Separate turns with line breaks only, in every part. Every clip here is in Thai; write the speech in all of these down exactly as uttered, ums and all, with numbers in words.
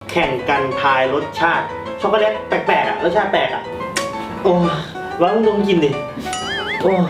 แข่งกันทายรสชาติช็อกโกแลตแปลกๆอ่ะรสชาติแปลกอ่ะโอ้วางลงกินดิโอ้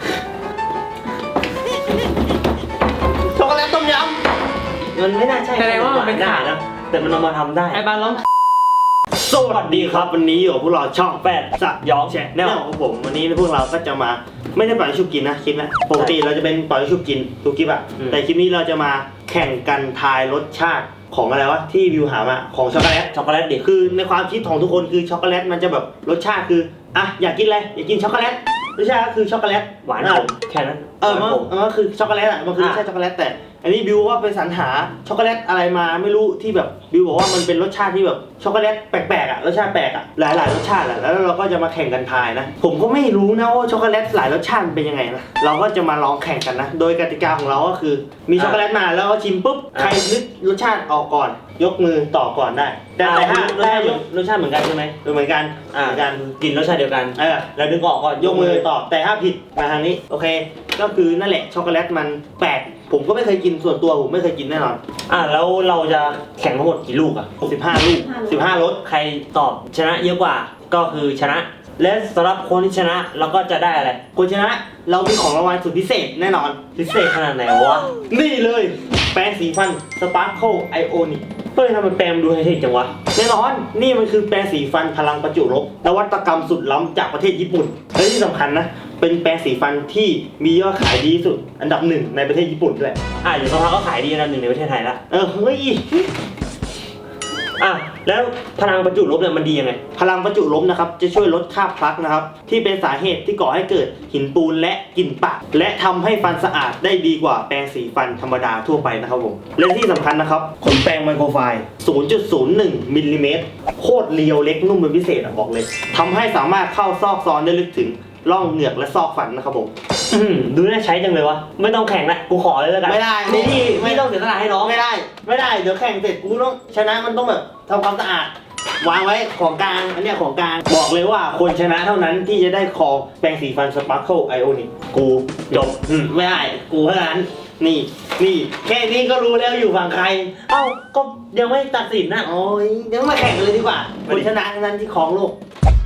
ช็อกโกแลตต้มยำมันไม่น่าใช่
แสดงว่ามันเป็น
ได้
ขาย
นะแต่มันเอามาทำได้
ไอ้บ้านร้อง
สวัสดีครับวันนี้อยู่กับพวกเราช่องแปดสยองแชนแนลของผมวันนี้พวกเราก็จะมาไม่ได้ปล่อยชุบกินนะคลิปนะปกติเราจะเป็นปล่อยชุบกินทุกคลิปอะแต่คลิปนี้เราจะมาแข่งกันทายรสชาติของอะไรวะที่วิวหามาของช็อกโกแลตช็อกโกแลตดิคือในความคิดของทุกคนคือช็อกโกแลตมันจะแบบรสชาติคืออ่ะอยากกินอะไรอยากกินช็อกโกแลตรสชาติก็คือช็อกโกแลต
หวานขมแค่นั้น
เออมันมันก็คือช็อกโกแลตอะมันคือรสชาติช็อกโกแลตแต่อันนี้บิวว่าไปสรรหาช็อกโกแลตอะไรมาไม่รู้ที่แบบบิวบอกว่ามันเป็นรสชาติที่แบบช็อกโกแลตแปลกๆอ่ะรสชาติแปลกอ่ะหลายๆรสชาติแหละแล้วเราก็จะมาแข่งกันทายนะผมก็ไม่รู้นะว่าช็อกโกแลตหลายรสชาติเป็นยังไงนะเราก็จะมาลองแข่งกันนะโดยกติกาของเราก็คือมีช็อกโกแลตมาแล้วก็ชิมปุ๊บใครนึกรสชาติออกก่อนยกมือต่อก่อนได้แต่แต่ถ้าได้รสชาติเหมือนกันใช่ไหมเหมือนกันเหมือนกัน
กินรสชาติเดียวกัน
เออ
แล้วดึงออกก็
ยกมือตอบแต่ถ้าผิดมาทางนี้โอเคก็คือนั่นแหละช็อกโกแลตมันแปลกผมก็ไม่เคยกินส่วนตัวผมไม่เคยกินแน่นอน
อ่ะแล้วเราจะแข่งทั้งหมดกี่ลูกอ่ะ
สิบห้าลูกสิบห้ารส
ใครตอบชนะเยอะกว่าก็คือชนะ และสำหรับคนที่ชนะเราก็จะได้อะไร
คนชนะเรามีของรางวัลสุดพิเศษแน่นอน
พิเศษขนาดไหนวะ
นี่เลยแปรงสีฟัน Sparkle Ionic
เฮ้ยทำไมแปมดูไฮเทคจังวะ
แน่นอนนี่มันคือแปรงสีฟันพลังประจุลบนวัตกรรมสุดล้ำจากประเทศญี่ปุ่นและที่สำคัญนะเป็นแปรงสีฟันที่มียอดขายดีที่สุดอันดับหนึ่งในประเทศญี่ปุ่นด้วย
อ่ะอยู่สักพักก็ขายดีอันดับหนึ่งในประเทศไทยละ
เออเฮ้ย
อ่ะแล้วพลังประจุลบเนี่ยมันดียังไง
พลังประจุลบนะครับจะช่วยลดคราบพลักนะครับที่เป็นสาเหตุที่ก่อให้เกิดหินปูนและกลิ่นปากและทำให้ฟันสะอาดได้ดีกว่าแปรงสีฟันธรรมดาทั่วไปนะครับผมและที่สำคัญนะครับขนแปรงไมโครไฟล์ ศูนย์จุดศูนย์หนึ่ง มิลลิเมตรโคตรเรียวเล็กนุ่มเป็นพิเศษอะบอกเลยทำให้สามารถเข้าซอกซอนได้ลึกถึงร่องเหงือกและซอกฟันนะครับผม
อืมดูน่าใช้จังเลยวะไม่ต้องแข่งละกูขอเลยแล้วกัน
ไม่ได้
นี่พี่
ไม่
พี่ต้องเสียสละให้น้อง
ไม่ได้ไม่ได้เดี๋ยวแข่งเสร็จกูต้องชนะมันต้องแบบทำความสะอาดวางไว้ของกลางอันเนี้ยของกลางบอกเลยว่าคนชนะเท่านั้นที่จะได้ครองแปรงสีฟัน Sparkle Ionic กูจบอืมไม่ได้กูเท่านั้นนี่นี่แค่นี้ก็รู้แล้วอยู่ฝั่งใคร
เอ้าก็ยังไม่ตัดสินนะ
โอ้ยเดี๋ยวมาแข่งกันเลยดีกว่าคนชนะเท่านั้นที่ครองโลก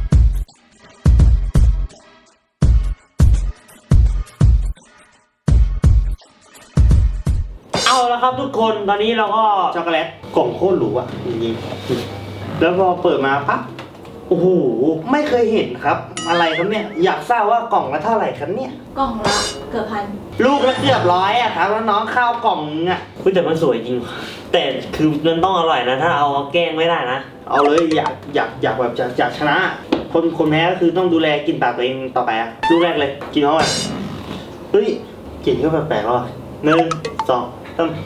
เอาละครับทุกคนตอนนี้เราก็
ช็อกโกแลตกล่องโคตรหรูอ่ะจริงๆแล้วพอเปิดมาปั๊บโอ้โหไม่เคยเห็นครับ อะไรครับเนี่ยอยากทราบว่ากล่องละเท่าไหร่ครับเนี่ย
กล่องละเกือบพัน
ลูกละเกือบร้อยอะครับแล้วน้องข้าวกล่องนึงอะ
เฮ้ยแต่มันสวยจริง แต่คือมันต้องอร่อยนะ ถ้าเอาแกล้งไม่ได้นะ
เอาเลยอยากอยากอยากแบบจะอยากชนะ คนคนแพ้ก็คือต้องดูแลกินปากตัวเองต่อไปอะลูกแรกเลยกินเข้าไปเฮ้ยกลิ่นก็แปลกๆแล้วอะหนึ่งสองสาม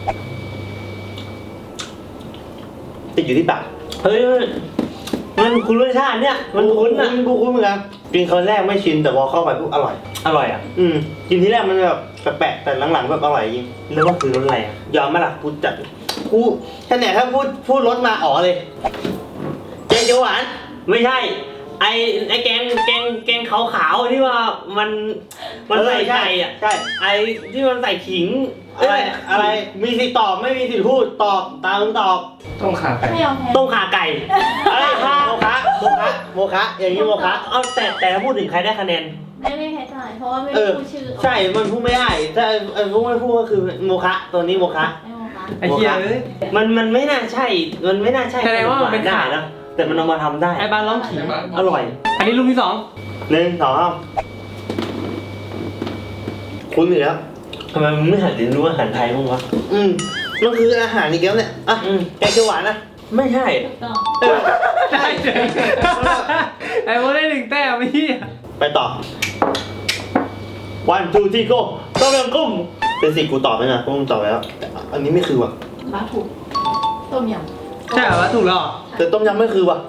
ติดอยู่ที่ปาก
เฮ้ยมันคุ้นรสชาติเนี่ยมันคุ้นอ่ะ
กูคุ้นเหมือนกันกินครั้งแรกไม่ชินแต่พอเข้าไปปุ๊บอร่อย
อร่อยอ่ะ
อืมกินที่แรกมันแบบแปลกๆแต่หลังๆแบบอร่อยจริง
แล้วว่าคือรสอะไรอ่ะ
ยอมไหมล่ะพูดจัดกูแค่ไหนถ้าพูดพูดรสมาอ๋อเลยแกงเขียวหวาน
ไม่ใช่ ไอไอแกงแกงแกงขาวๆที่ว่ามันมันใส่ไก่อ่ะ
ใช่
ไอที่มันใส่ขิง
อะไรอะไรมีสิทธิ์ตอบไม่มีสิทธิ์พูดตอบตามมึงตอบ
ต้องขาไก่
ไม่ยอมแพ้
ต้มข่าไก่
อะไรคะโมคะโมคะโมคะอย่างนี้โมคะ
เอาแต่แต่ถ้าพูดถึงใครได้คะแนน
ไม่ไม่แพ้เท่าไหร่เพราะว่าไม่
เอ
ได้
อ
พูดชื่อ
ใช่มันพูดไม่ได้ถ้าเออพูดไม่พูดก็คือโมคะตัวนี้โมคะ
ไม่โมคะ
ไอ้เหี้ยเอ้ย
มันมันไม่น่าใช่ มันไม่น่าใช่
แสดงว่ามันเป็น
ได้
ขาย
นะแต่มันเอามาทำได้
ไอ้บ้านร้องขิง
อร่อย
อันนี้ลูกที่สอง
หนึ่งสองสามคุณอยู่แล้ว
ทำไมมึงไม่หันเรียนรู้อาหารไทยบ้างวะ
อืมมันคืออาหารอีกแล้วเนี่ยอ่ะ
อืม
แกงเขียวหวานนะ
ไม่ใช่
ถูกต้อง
เออ
ได้เฉยไอ้โมได้หนึ่งแต้มไม่เหี้ย
ไปต่อ one two three go ต้มยำกุ้งเป็นสิกูตอบไหมนะกูตอบไปแล้วแต่อันนี้ไม่คือว่ะ
บ้าถูกต้มยำ
ใช่เหรอวะถูกแล้วเหรอ
แต่ต้มยำไม่คือว่ะ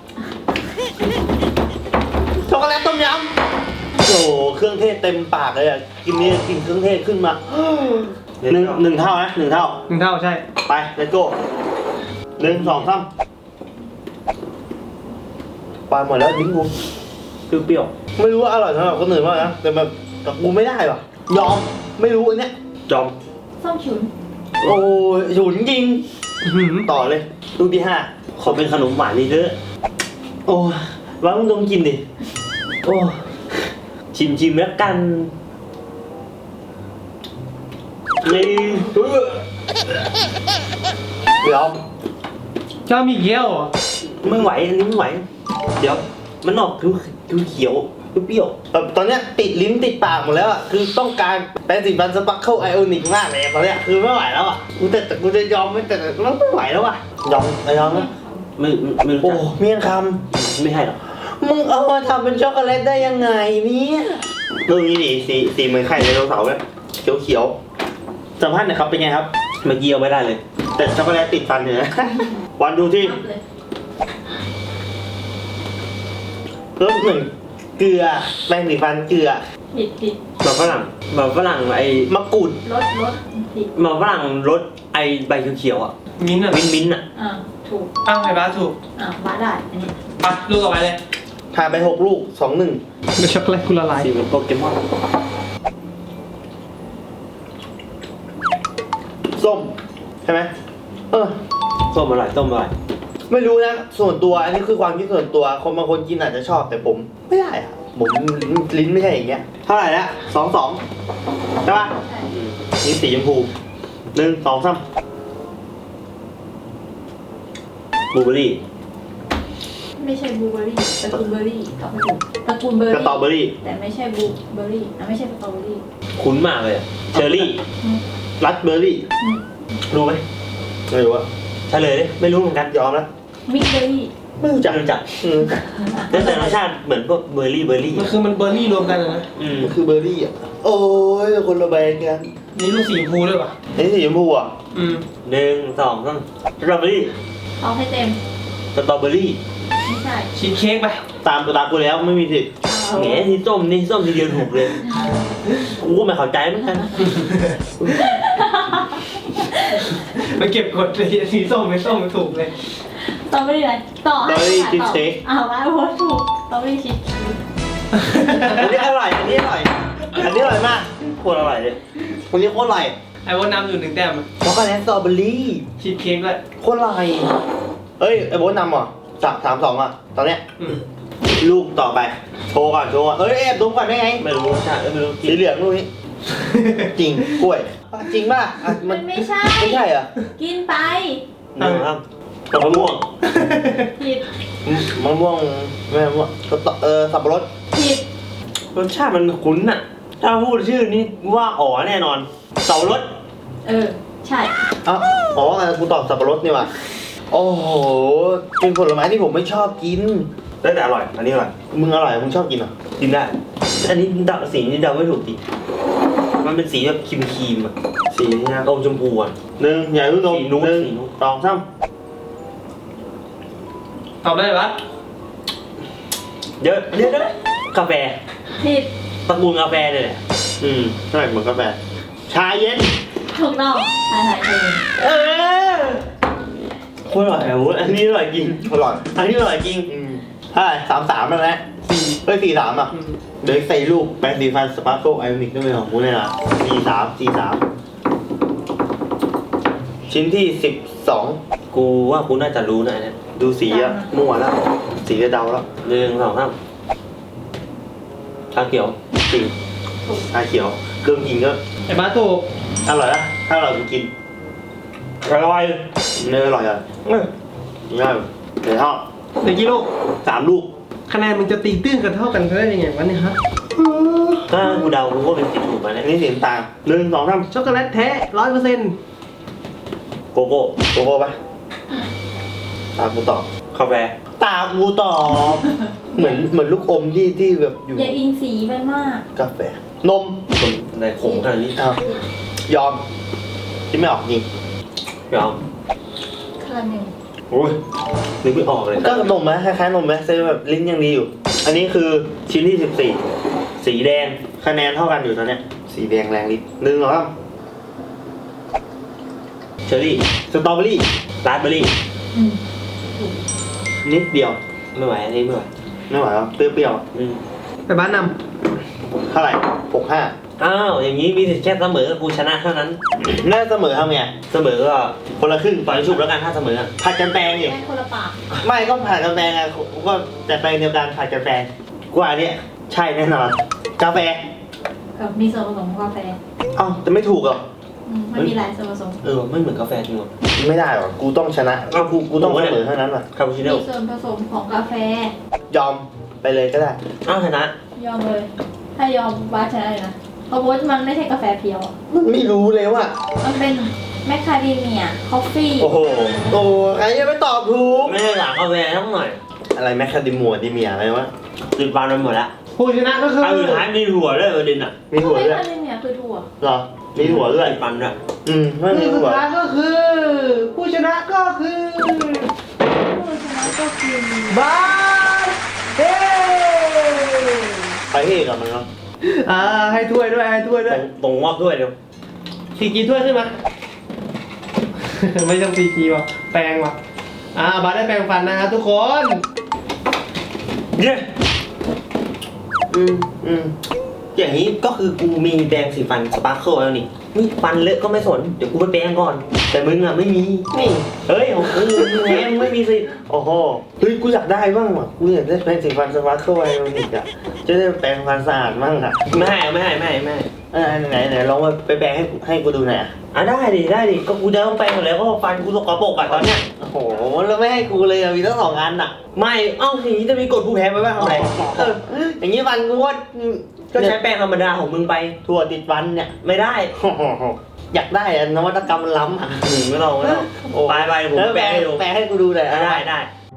ช็อกโกแลตต้มยำโอ้โหเครื่องเทศเต็มปากเลยอ่ะกินนี่กินเครื่องเทศขึ้นมาหนึ่งหนึ่งเท่านะหนึ่งเท่า
หนึ่งเท่าใช่
ไป let's go หนึ่งสองสามปลาหมดแล้วทิ้งกูเปรี้ยวๆไม่รู้ว่าอร่อยสำหรับคนอื่นบ้างนะแต่แบบกับกูไม่ได้ว่ะยอมไม่รู้อันเนี้ยยอม
ส้มฉุน
โอ้ยฉุนจริง
อื้อหือ
ต่อเลยลูกที่ห้า
ขอเป็นขนมหวานนี่เด้อ
โอ้วางมึงดมกินดิโอ้
ชิมชิมแล้วกันนี่
เดี๋ยว
ชอบมีเกี้ยวเหรอ
ไม่ไหวอันนี้ไม่ไหว เดี๋ยวมันออกคือคือเขียวเปรี้ยว
แบบตอนเนี้ยติดลิ้นติดปากหมดแล้วอ่ะคือต้องการแปรงสีฟันสปักเคิลไอโอนิกมากเลยตอนเนี้ยคือไม่ไหวแล้วอ่ะกูแต่แต่กูจะยอมไม่แต่มันไม่ไหวแล้วอ่ะยอมไม่ยอมนะ
ๆไม่ไม่รู้
โอ้
จัก
เมี่ยงค
ไม่ให้หรอก
ำมึงเอามาทำเป็นช็อกโกแลตได้ยังไงเนี่ยลูกนี้ดิสีสีเหมือนไข่ไดโนเสาร์เลยเขียวเขียวๆสัมภาษณ์หน่อยครับเป็นไงครับ
เมื่อกี้เอาไม่ได้เลย
แต่ช็อกโกแลตติดฟันอยู่นะ วันดูที่
นับเลย
รสเหมือนเกลือแป้งสีฟันเกลือ
ผิดผิด
แบบฝรั่งแบบฝรั่งไอ้
มะกรูด
ลดลดผิด
แบบฝรั่งรสไอ้ใบเขียวๆอ่ะ
มิ้นท์อ่ะ
มิ้นท์มิ้นท์อ่ะ
อ่าถูก
อ้าวไอ้บ้าสถูก
อ่าบ้าได้อันนี้
ไปลูกต่อไปเลย
ผ่านไปหกลูกสองหนึ่ง
เดี๋ยวช็อกโกแลตคุณละลาย
สีเหมือนโปเกมอน
ส้มใช่ไหมเออ
ส้มอร่อยส้มอร่อย
ไม่รู้นะส่วนตัวอันนี้คือความคิดส่วนตัวคนบางคนกินอาจจะชอบแต่ผมไม่ได้อะผมลิ้นไม่ใช่อย่างเงี้ยเท่าไหร่ละสองสองใช่ปะ
ใช่
อืม
นี่สีชมพูหนึ่งสองสาม
บลูเบอร์รี่
ไม่ใช่บลูเบอร์รี่ตระกูลเบอร์รี่ตอบไม่ถูกตระกูลเบอร์
ส
รี่
ตรอเบอรี่
แต่ไม่ใช่บลูเบอร์รี่อ่ะไม่ใช่สตรอเบอร์รี่
คุ้นมากเลยอะเชอร์รี่
อืม
รัสเบอร์รี่
อืม
รู้ไหม
ไม่รู้อะ
เฉลยดิไม่รู้เหมือนกัน
ยอมแล้ว
มิกเบอร์รี่
ไม่รู้จัก
รู้จัก
อืม
แต่แต่รสชาติเหมือนพวกเบอร์รี่เบอร์รี่
มันคือมันเบอร์รี่รวมกันอะนะ
อืม
มันคือเบอร์รี่อ่ะโอ้ยคนละแบรนด์กัน
นี่ลูกสีชมพูด้วยป่ะ
อันนี้สีชมพูอ่ะ
อืม
หนึ่งสองสามสตรอเบอร์รี่
เอาให้เต็ม
สตรอเบอร์รี่
ไม่ใช่
ชีสเค้กไป
ตามตัวตามกูแล้วไม่มีสิทธิ์
เอา
แหมที่ส้มนี่ส้มทีเดียวถูกเลยกูก็ไม่เข้าใจเหมือนกัน
ไปเก็บกดเลยสีส้มไม่ส้มไม่ถูกเลย
สตรอเบอร์รี่อะไรต่อให้
สตรอเบอรี่
ค่ะ
ชีส
ต่อ
เค้ก
อ้าวว่าโอ้ถูกสตรอเบอรี่ชีสเค้ก
อันนี้อร่อยอันนี้อร่อยอันนี้อร่อยมาก
โคตรอร่อยเลย
คนนี้โคตรอร่อย
ไอ้วันน้ำอยู่หนึ่งแต้มอะ
ช็อกโกแลตสตรอเบอรี่
ชีสเค้กด้วย
โคตรอร่อยเอ้ยไอ้โบ๊ทนำเหรอสามสามสองอ่ะตอนเนี้ย
อืม
ลูกต่อไปโชว์ก่อนโชว์ก่อนเอ้ยแอบดมก่อนได้ไง
ไม่รู้รสชาติเอ้ยไม่รู้กิ
สี
น
เหลืองลูกนี้ จริงกล้วยอ่ะจริงป่ะอ่ะมั
มัน นไม่ใช่
ไม่ใช่เหรอ
กินไป
หนึ่งครับกับมะม่วง
ผิด
อืมมะม่วงไม่มะม่วงก็ต่อเออสับปะรด
ผิด
รสชาติมันคุ้นน่ะ ถ้าพูดชื่อนี้ว่าอ๋อแน่นอนเสารส
เออ ใช่
อ้าวอ๋อเออกูตอบสับปะรดนี่ว่ะโอ้โหเป็นผลไม้ที่ผมไม่ชอบกิน
แต่แต่อร่อย อันนี้อร่อย
มึงอร่อยมึงชอบกินเหรอ
กินได้ อันนี้เดาสีนี้เดาไม่ถูกจริงมันเป็นสีแบบครีมครีมๆอะ
สีนี้นะ
อมชมพูอ่ะ
หนึ่งใหญ่รุ่นนม
สีนู้น
หนึ่ง
สีนู้น
สองสาม
ตอบได้ปะ
เดี๋ยวเดี๋ยวเดี๋ยวกาแฟ
ผิด
ตระกูลกาแฟเนี่ยแหละ
อืมใช่เหมือนกาแฟชาเย็น
ถูกต้องทายทายเอง
เออ
โคตรอร่อยอ่ะโว้ยอันนี้อร่อยจริง
อร่อย
อันนี้อร่อยจริง
อืมใช่สามสามแล้วนะสี่เอ้ยสี่สามอ่ะ
อืม
เดี๋ยวใส่ลูกแปรงสีฟันสปาร์โกไอออนิกด้วยเป็นของกูเนี่ยนะสี่สามสี่สามชิ้นที่สิบสอง
กูว่ากูน่าจะรู้นะอันเนี่ย
ดูสีอะมั่วแล้ว สีจะเดาแล้ว
หนึ่งสองสามชาเขียว
จริงชาเขียวเครื่องกินก็
ไอ้บ้าสถูก
อร่อยนะถ้าเราไปกิน
อร่อย
เนื้ออร่อยอ่ะ
เออ
ง่ายเดี๋ยวทอด
เดี๋ยวกี่ลูก
สามลูก
คะแนนมึงจะตีตื้นกันเท่ากันได้ยังไงวะเนี่ยฮะ
ถ้ากูเดากูก็เป็นสีถูกมา
อั
เนี่ย
นนี้สีน้ำตาลหนึ่งสองสาม
ช็อกโกแลตแท้ร้อยเปอร์เซ็นต์
โกโก้
โกโก้ปะตากูตอบ
กาแฟ
ตากูตอบเหมือนเหมือนลูกอมที่ที่แบบอยู่
อย่าอิงสีมันมาก
กาแฟนม
คนในขงขนาดนี้
อ้าว ยอมที่ไม่ออกจริง
ยอม
คาราเมล
โอ้ยนึกไม่ออกเลย
ก็นมไหมคล้ายๆนมไหมเซแบบลิ้นยังดีอยู่ อันนี้คือชิ้นที่สิบสี่สีแดงคะแนนเท่ากันอยู่ตอนเนี้ยสีแดงแรงลิ้นหนึ่งเหรอครับ
เชอร์รี่
สตรอเบอรี่
ราสเบอร์รี่
อืม
นิดเดียว
ไม่ไหวอันนี้ไม่ไหว
ไม่ไหวแล้วเปรี้ยว
อืม
ไอ้บ้านน
เท่าไหร่หกห้า
อ้าวอย่างนี้มีสิทธิ์แค่เสมอกับกูชนะเท่านั้น
น่าเสมอทำไง
เสมอก็คนละครึ่งต่อยชุบแล้วกันถ้าเสมออะ
ผัดกันแปลงดิ
แม่คนละปาก
ไม่ก็ผัดกันแปลงไงก็แต่แปลงเดียวกันผัดกันแปลงกว่าเนี้ยใช่แน่นอนกาแฟ
กับมีส่วนผสมของกาแฟ
เอ้าแต่ไม่ถูกเหรอ
อืมมันมีหลายส่วนผสม
เออไม่เหมือนกาแฟจริงหรอ
ไม่ได้หรอกูต้องชนะ
เอ้ากู
กูต้องเสมอเท่านั้นว่ะ
คาปูชิโน่
มีส่วนผสมของกาแฟ
ยอมไปเลยก็ได้
อ้าวชนะ
ยอมเลย ถ้ายอมบ้าชนะเลยนะเพราะว่ามันไม่ใช่กาแฟเพียวอะ
ไม่รู้เลยว่า
มันเป็นแมคคาเดเมียคอฟฟี่
โอ้โห
โอ้ใครจะไปตอบถูก
ไม่ได้หลังกาแฟทั้งหน่อย
อะไรแมคคาเดมัวดิเมียอะไรวะ
ติดฟันไปหมดแล้ว
ผู้ชนะก็คือ
อันสุดท้ายมีถั่วด้วยประเด็นอ่ะ
มีหัว
แมค
ด้วย
คาเดเมียคือถั่ว
เหรอมีหัวด้วย
ติดฟันด้วย
อืมไม่มี
ผู้สุ
หั
ด
ว
ท้ายก็คือ ผู้ชนะก็คือ
ผู้ชนะก็คือบ
าสเฮ้
ไปเฮกับมันเนาะ
อ่าให้ถ้วยด้วยให้ถ้วยด้วย
ตรงงอกด้วยเดี๋ยว
พีจีถ้วยขึ้นมา ไม่ต้องพีจีว่ะแปรงว่ะอ่าบาสได้แปรงฟันนะครับทุกคน
เย้
อืมอืม
อย่างนี้ก็คือกูมีแดงสีฟันสปาร์เคิลแล้วนี่นี่ฟันเลอะก็ไม่สนเดี๋ยวกูไปแปรงก่อน แต่มึงอ่ะไม่มีนี่เฮ้ยของกูมึงแพ้มึงไม่มีสิทธิ์
โอ้โหเฮ้ยกูอยากได้บ้างว่ะกูอยากได้แปรงสีฟันสปาร์เคิลไอโอนิกอะจะได้แปรงฟันสะอาดบ้างอะ
ไม่ให้ไม่ให้ไม่ให้ไม่ให้
เออไหนไหนลองมาไปแปรงให้ให้กูดูหน่อยอะ
อ่ะได้ดิได้ดิก็กูจะต้องแปรงหมดแล้วก็ฟันกูสกปรกอ่ะตอนเนี้ย
โอ้โหแล้วไม่ให้กูเลยอะมีตั้งสองอันอะ
ไม่เอ้าอย่างนี้จะมีกฎผู้แพ้ไปบ้างทำไมเออ
อย่างนี้ฟันกูว่า
ก็ใช้แป้งธรรมดาของมึงไป
ถั่วติดฟันเนี่ย
ไม่ได้
โอ้โหอยากได้อะนวัตกรรมมันล้ำอะ
หนึ่งไม่ต้องไม่ต้อง
โอ้
ไปไปเดี๋ยวผม
แล้ว
แปรงให้ดู
แปรงให้กูดูหน่อยอะ
ได้ได้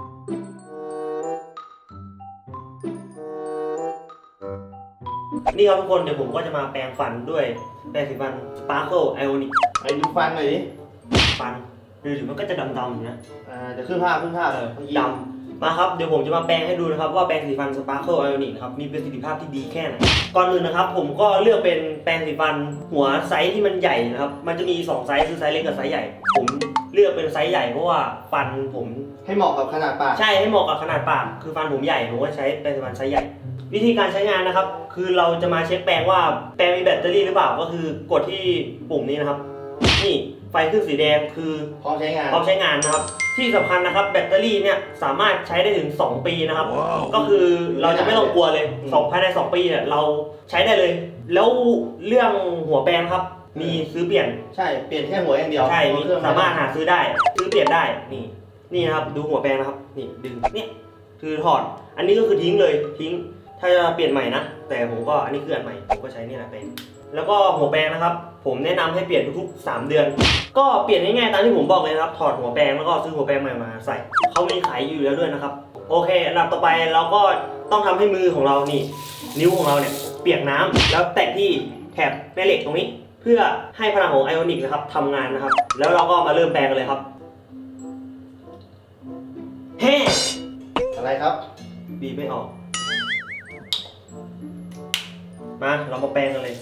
นี่ครับทุกคนเดี๋ยวผมก็จะมาแปรงฟันด้วยแปรงสีฟัน Sparkle Ionic
ไอ้ดูฟันหน่อยดิ
ฟันดูถึงมันก็จะดำๆอยู่นะ
อ่าเดี๋ยวขึ้นภาพขึ้นภาพ
เออ
เมื่อกี้
ดำมาครับเดี๋ยวผมจะมาแปรงให้ดูนะครับว่าแปรงสีฟัน Sparkle Ionic นะครับมีประสิทธิภาพที่ดีแค่ไหนก่อนอื่นนะครับผมก็เลือกเป็นแปรงสีฟันหัวไซส์ที่มันใหญ่นะครับมันจะมีสองไซส์คือไซส์เล็กกับไซส์ใหญ่ ผมเลือกเป็นไซส์ใหญ่เพราะว่าฟันผม
ให้เหมาะกับขนาดปาก
ใช่ให้เหมาะกับขนาดปากคือฟันผมใหญ่ผมก็ใช้แปรงสีฟันไซส์ใหญ่ วิธีการใช้งานนะครับ คือเราจะมาเช็คแปรงว่าแปรงมีแบตเตอรี่หรือเปล่าก็คือกดที่ปุ่มนี้นะครับ นี่ไฟขึ้นสีแดงคือ
พร้อมใช้งาน
พร้อมใช้งานนะครับ ที่สำคัญนะครับแบตเตอรี่เนี่ยสามารถใช้ได้ถึงสองปีนะครับ ก็คือเราจะไม่ต้องกลัวเลยสองภายในสองปีเนี่ยเราใช้ได้เลย แล้วเรื่องหัวแปรงครับมีซื้อเปลี่ยน
ใช่เปลี่ยนแค่หัวอย่างเดียว
ใช่มี
เคอง
สามารถหาซื้อได้ ซื้อเปลี่ยนได้ นี่ นี่นะครับ ดูหัวแปรงนะครับ นี่ดึง เนี่ย คือถอด อันนี้ก็คือทิ้งเลย ทิ้ง ถ้าจะเปลี่ยนใหม่นะ แต่ผมก็ อันนี้คืออันใหม่ ผมก็ใช้นี่แหละเป็น แล้วก็หัวแปรงนะครับ ผมแนะนำให้เปลี่ยนทุกๆสามเดือน ก็เปลี่ยนง่ายๆตามที่ผมบอกเลยนะครับ ถอดหัวแปรงแล้วก็ซื้อหัวแปรงใหม่มาใส่ เขามีขายอยู่แล้วด้วยนะครับ โอเค อันดับต่อไปเราก็ต้องทำให้มือของเรานี่ นิ้วของเราเนี่ยเปียกน้ำแล้วแตะที่แถบแม่เหล็กตรงนี้ เพื่อให้พลังของไอออนิกนะครับทำงานนะครับ แล้วเราก็มาเริ่มแปลงกันเลยครับแฮ่
อะไรครับ
บีบไม่ออก มาเรามาแปลงกันเลย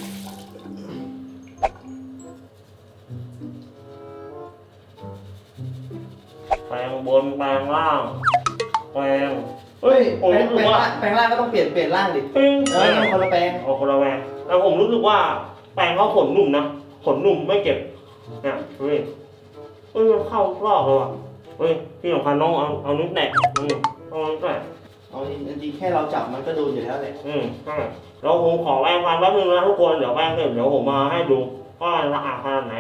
แปลงบนแปลงล่างแปลง
เฮ้ย
ผม
แปลง
รู้สึกว่า
แปลงร่างก็ต้องเปลี่ยนเปลี่ยนร่างดิ
ปิ้ง
เออมันคนละแปลง
เอาคนละแปลงแต่ผมรู้สึกว่าแปลงเขาขนหนุ่มนะขนหนุ่มไม่เก็บเนี่ยเฮ้ยเฮ้ยมันเข้ารอบเลยว่ะเฮ้ยที่สำคัญน้องเอาเอานิ้วแตะอืมเอานิ้วแตะ
เอาจริงๆแค่เราจับมันก็โดนอยู่แล้วแหละ
อืมใช่แล้วผมขอแปรงฟันแป๊บนึงนะทุกคนเดี๋ยวแปรงเสร็จเดี๋ยวผมมาให้ดูว่าสะอาดขนาดไหน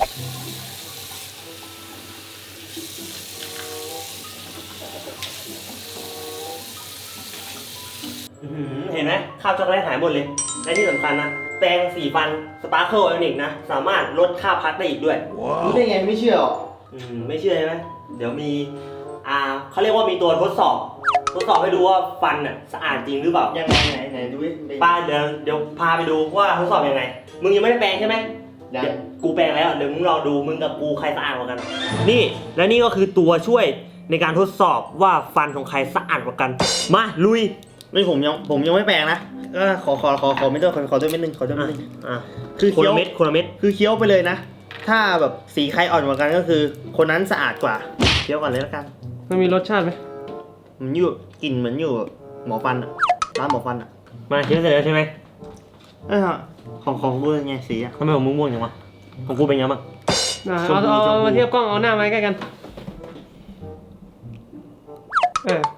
อื้อหือเห็นไหมคราบช็อกโกแลตหายหมดเลยและที่สำคัญนะแปรงสีฟัน Sparkle Ionic นะสามารถลดค่าพักได้อีกด้วย
รู้ได้ไงไม่เชื่อหรอ
อืมไม่เชื่อใช่ไหมเดี๋ยวมีอ่าเขาเรียกว่ามีตัวทดสอบ ทดสอบให้ดูว่าฟันน่ะสะอาดจริงหรือเปล่า
ยังไงไหนไหนดูดิ
ป้าเดี๋ยวเดี๋ยวพาไปดูว่าทดสอบยังไง มึงยังไม่ได้แปรงใช่ไหม
ยัง
เดี๋ยวกูแปรงแล้วเดี๋ยวมึงรอดูมึงกับกูใครสะอาดกว่ากัน นี่และนี่ก็คือตัวช่วยในการทดสอบว่าฟันของใครสะอาดกว่ากัน มาลุย
ไม่ผมยังผมยังไม่แปลงนะก็ขอขอขอขอไม่ต้องขอขอด้วยเม็ดนึงขอด้วยเม็ดนึง
อ่ะ
คือ
คน
เคี้ยว
ละเม็ดคนละเม็ด
คือเคี้ยวไปเลยนะ ถ้าแบบสีใครอ่อนกว่ากันก็คือ คนนั้นสะอาดกว่าเคี้ยวก่อนเลยแล้วกัน
มันมีรสชาติไหม
มันอยู่กลิ่นเหมือนอยู่หมอฟันอะร้านหมอฟันอะ
มาเชื่อเสร็จแล้วใช่ไหม
เออของของกูเป็นไงสีอะ
ทำไมของมึงม่วงจังวะของกูเป็นยังไงบ้าง
อ่ะ
ชม
เอา
พู
เอา
ชมพู
เอามาเทียบกล้องเอาหน้ามาใกล้กันเออ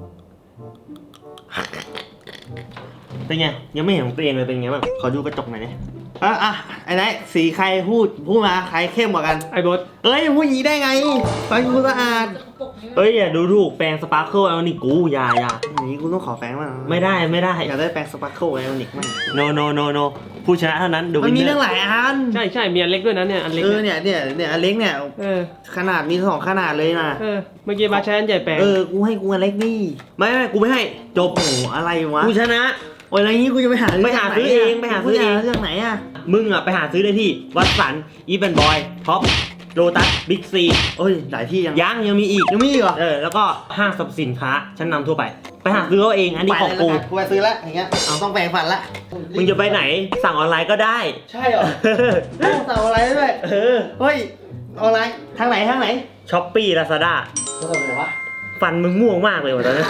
เป็นไงยังไม่เห็นของตัวเองเลยเป็นไงบ้าง
ขอดูกระจกหน่อยดิอ่ะอ่ะไอ้ไหนสีใครพูดพูดมาใครเข้มกว่ากัน
ไอ้บอส
เอ้ยพูดอย่างนี้ได้ไงฟังกูสะอาด
ปกนี้
เอ้ยอย่าดูถูกแปรงสปาร์เคิลเอานี่กูอย่าอย่า
อย่างนี้กูต้องขอแฟงมาง
ไม่ได้ไม่ได้
อยากได้แปรงสปาร์เคิลไอออนิกมั่ง
no no no no ผู้ชนะเท่านั้น The
มันมี
winner
เรื่องหลายอัน
ใช่ใช่มีอันเล็กด้วยนะเนี่ยอันเล็ก
เออเนี่ยเนี่ยเนี่ยอันเล็กเนี่ย
เออ
ขนาดมีสองขนาดเลยนะ
เออเมื่อกี้บาสใช้อันใหญ่แปลง
เออกูให้กูอันเล็กนี่
ไม่ไม่กูไม่ให้จบ
โอ้โหอะไรวะ
ผู้ชนะ
โอ้ยอะไรงี้กูจะไปหา
ไปหาซื้อเองไปหาซื้อเอง
เรื่องไหนอะ
มึงอ่ะไปหาซื้อได้ที่วัดสันอีเวนบอยท็อปโลตัสบิ๊กซี
โอ้ยหลายที่ยัง
ยังยังมีอีก
ยังมีอีกเหรอ
เออแล้วก็ห้างสรรพสินค้าชั้นนำทั่วไป ไปหาซื้อเอาเองอันนี้ของกู
ไปเลยละกันกูไปซื้อละอย่างเงี้ยเอาต้องแปรงฟันละ
มึงจะไปไหนสั่งออนไลน์ก็ได้
ใช่เหรอต้องสั่งอะไรด้วย
เออ
เฮ้ยออนไลน์ทางไหนทางไหน
ช้อปปี้ลาซาด้า
กูทำอะไรวะ
ฟันมึงม่วงมากเลยว่ะตอนนี้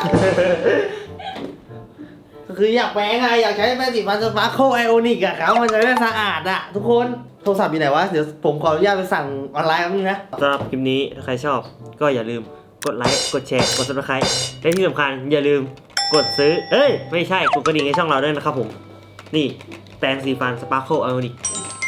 ก็คืออยากแปรงอะอยากใช้แปรงสีฟันสปาร์โคไอโอนิกอะครับมันจะได้สะอาดอะทุกคนโทรศัพท์อยู่ไหนวะเดี๋ยวผมขออนุญาตไปสั่งออนไลน์แป๊บนึงนะ
สำหรับคลิปนี้ถ้าใครชอบก็อย่าลืมกดไลค์กดแชร์กด ซับสไครบ์ และที่สำคัญอย่าลืมกดซื้อเอ้ยไม่ใช่กดกระดิ่งให้ช่องเราด้วยนะครับผมนี่แปรงสีฟันสปาร์เคิลไอออนิก